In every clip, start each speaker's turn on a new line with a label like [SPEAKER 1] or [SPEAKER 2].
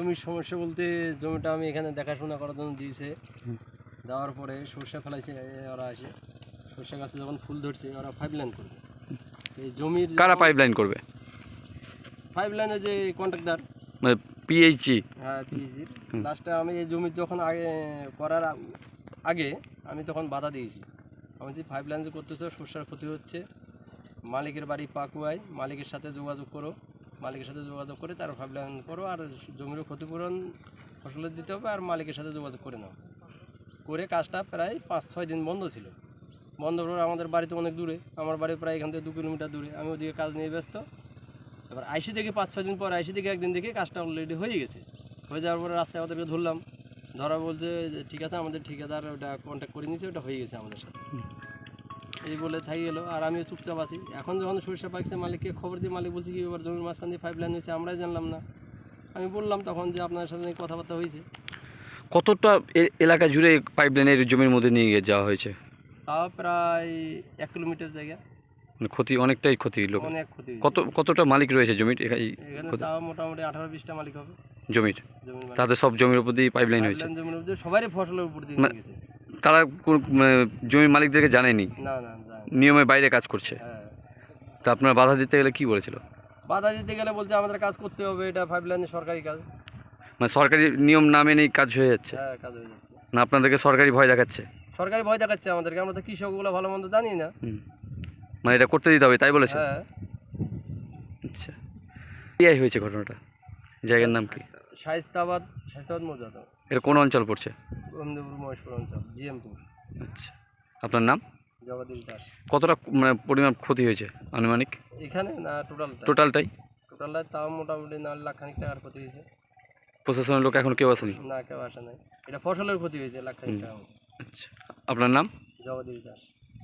[SPEAKER 1] জমির সমস্যা বলতে জমিটা আমি এখানে দেখাশোনা করার জন্য দিয়েছে, দেওয়ার পরে সর্ষে ফেলাইছে, ওরা আসে সর্ষে গাছে যখন ফুল ধরছে ওরা পাইপ লাইন করবে। এই জমির
[SPEAKER 2] কারা পাইপ লাইন করবে?
[SPEAKER 1] পাইপ লাইনের যে কন্ট্রাক্টর,
[SPEAKER 2] মানে পিএইচই।
[SPEAKER 1] হ্যাঁ পিএইচজির। লাস্টে আমি এই জমির যখন আগে করার আগে আমি তখন বাধা দিয়েছি, আমি যে পাইপ লাইন যে করতেছো সর্ষের ক্ষতি হচ্ছে, মালিকের বাড়ি পাকুয়ায়, মালিকের সাথে যোগাযোগ করো, মালিকের সাথে যোগাযোগ করে তার পাইপ লাইন করো, আর জমিরও ক্ষতিপূরণ ফসলের দিতে হবে, আর মালিকের সাথে যোগাযোগ করে নাও। করে কাজটা প্রায় 5-6 দিন বন্ধ ছিল। বন্ধ করে আমাদের বাড়ি তো অনেক দূরে, আমার বাড়ি প্রায় এখান থেকে 2 কিলোমিটার দূরে, আমি ওদিকে কাজ নিয়ে ব্যস্ত। এবার আইসি দেখি 5-6 দিন পর আইসি দেখি একদিন দেখি কাজটা অলরেডি হয়ে গেছে। হয়ে যাওয়ার পরে রাস্তায় ওদেরকে ধরলাম, ধরা বলছে যে ঠিক আছে আমাদের ঠিকাদার ওটা কন্ট্যাক্ট করে নিয়েছে, ওটা হয়ে গেছে আমাদের সাথে, এই বলে থাকি গেলো। আর আমিও চুপচাপ আছি। এখন যখন সরিষা পাকছে মালিককে খবর দিয়ে মালিক বলছি কি এবার জমির মাঝখান দিয়ে পাইপ লাইন হয়েছে, আমরাই জানলাম না। আমি বললাম তখন যে আপনার সাথে কথাবার্তা হয়েছে।
[SPEAKER 2] কতটা এলাকা জুড়ে পাইপ লাইনের জমির মধ্যে নিয়ে গিয়ে যাওয়া হয়েছে?
[SPEAKER 1] তাও প্রায় 1 কিলোমিটার জায়গা।
[SPEAKER 2] মানে ক্ষতি, অনেকটাই ক্ষতি লোক।
[SPEAKER 1] অনেক ক্ষতি।
[SPEAKER 2] কতটা মালিক রয়েছে জমির?
[SPEAKER 1] এখানে তাও মোটামুটি 18-20টা মালিক হবে
[SPEAKER 2] জমির। তাদের সব জমির উপর দিয়ে পাইপ লাইন হয়েছে?
[SPEAKER 1] জমির উপর দিয়ে সবারই ফসলের উপর দিয়ে গেছে।
[SPEAKER 2] তারা জমির মালিকদেরকে জানেনি?
[SPEAKER 1] না না,
[SPEAKER 2] নিয়মের বাইরে কাজ করছে।
[SPEAKER 1] হ্যাঁ।
[SPEAKER 2] তা আপনারা বাধা দিতে গেলে কি বলেছিল?
[SPEAKER 1] বাধা দিতে গেলে বলছে আমাদের কাজ করতে হবে, এটা পাইপ লাইনের সরকারি কাজ।
[SPEAKER 2] মানে সরকারি নিয়ম না মেনেই কাজ হয়ে যাচ্ছে?
[SPEAKER 1] হ্যাঁ, কাজ হয়ে যাচ্ছে।
[SPEAKER 2] না আপনাদেরকে সরকারি ভয় দেখাচ্ছে?
[SPEAKER 1] সরকারি ভয় দেখাচ্ছে আমাদেরকে, আমরা তো কৃষকগুলো ভালো মন্দ জানি না।
[SPEAKER 2] মানে এটা করতে দিতে হবে তাই বলেছে?
[SPEAKER 1] হ্যাঁ।
[SPEAKER 2] আচ্ছা, কি হয়েছে ঘটনাটা? জায়গার নাম কি?
[SPEAKER 1] শায়েস্তাবাদ মৌজা।
[SPEAKER 2] এটা কোন অঞ্চল পড়ছে?
[SPEAKER 1] গোবিন্দপুর মহেশপুর অঞ্চল, জিএমপুর।
[SPEAKER 2] আচ্ছা, আপনার নাম?
[SPEAKER 1] জগদীশ দাস।
[SPEAKER 2] কতটা মানে পরিমাণ ক্ষতি হয়েছে আনুমানিক
[SPEAKER 1] এখানে? না
[SPEAKER 2] টোটালটাই
[SPEAKER 1] তাও মোটামুটি 9 লাখ খানিক টাকার ক্ষতি হয়েছে।
[SPEAKER 2] প্রশাসনের লোক এখন কেউ আসেনি?
[SPEAKER 1] না, কেউ আসে নাই। এটা ফসলের ক্ষতি হয়েছে লাখ খানিক টাকা।
[SPEAKER 2] আচ্ছা, আপনার নাম?
[SPEAKER 1] জগদীশ দাস।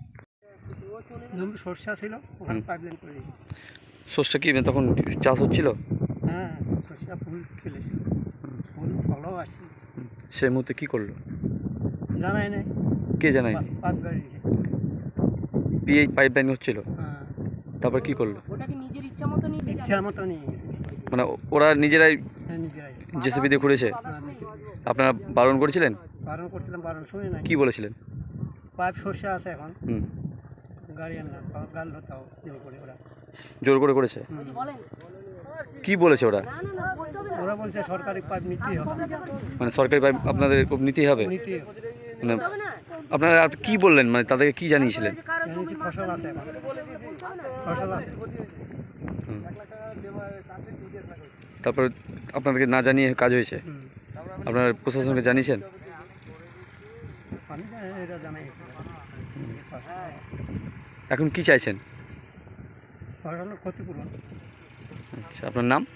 [SPEAKER 1] জমি সর্ষা ছিল, ওখানে পাইপ লাইন করে দিয়েছে।
[SPEAKER 2] সর্ষা কি তখন চাষ হচ্ছিল?
[SPEAKER 1] হ্যাঁ, সর্ষা ফুল খেলেছে, ফুল ফলও আসছে।
[SPEAKER 2] সেই মুহূর্তে কি করলো
[SPEAKER 1] জানাই নাই।
[SPEAKER 2] কে জানায়নি?
[SPEAKER 1] পাইপ গাড়িয়েছে।
[SPEAKER 2] পিএইচ পাইপ লাইন হচ্ছিল,
[SPEAKER 1] হ্যাঁ।
[SPEAKER 2] তারপর কি করলো?
[SPEAKER 1] ওটাকে নিজের ইচ্ছা মতো নিয়ে গেছে।
[SPEAKER 2] মানে ওরা নিজেরাই
[SPEAKER 1] হ্যাঁ, নিজেরাই
[SPEAKER 2] জেসিবি দিয়ে ঘুরেছে? আপনারা বারণ করেছিলেন?
[SPEAKER 1] বারণ করছিলাম, বারণ শুনে নাই।
[SPEAKER 2] কি বলেছিলেন?
[SPEAKER 1] পাইপ সর্ষে আছে এখন, গাড়ি আনলাম, গাল হতাও
[SPEAKER 2] জোর করে করেছে? কি বলেছে ওরা?
[SPEAKER 1] ওরা বলছে সরকারি পাইপ নিতেই হবে।
[SPEAKER 2] মানে সরকারি পাইপ আপনাদের নিতেই হবে? মানে আপনারা কি বললেন, মানে তাদেরকে কি জানিয়েছিলেন?
[SPEAKER 1] ফসল আছে এখন, ফসল আছে।
[SPEAKER 2] তারপর আপনাদেরকে না জানিয়ে কাজ হয়েছে? আপনারা প্রশাসনকে জানিয়েছেন?
[SPEAKER 1] আমি এটা জানাই।
[SPEAKER 2] এখন কি চাইছেন?
[SPEAKER 1] ফসলের ক্ষতিপূরণ।
[SPEAKER 2] আচ্ছা, আপনার নাম?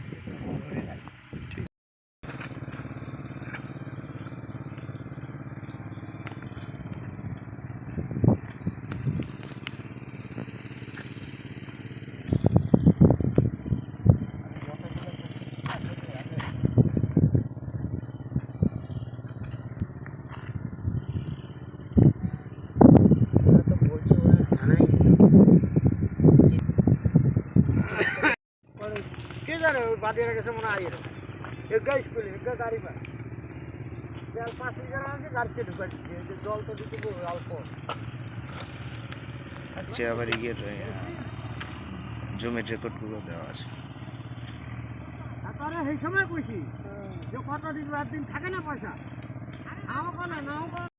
[SPEAKER 1] কে জানে, ওই বাদিয়ার কাছে মনে হয় এগা স্কুলে এগা গাড়ি পায়, 5 লিটার আছে, গাড়িতে ঢুকাই দিচ্ছে, জল তো দিতে অল্প।
[SPEAKER 3] আচ্ছা, আবার জমির রেকর্ডগুলো দেওয়া আছে।
[SPEAKER 1] তারপরে সেই সময় কইছি যে কত দিন রাত দিন থাকে না পয়সা, আমাকে না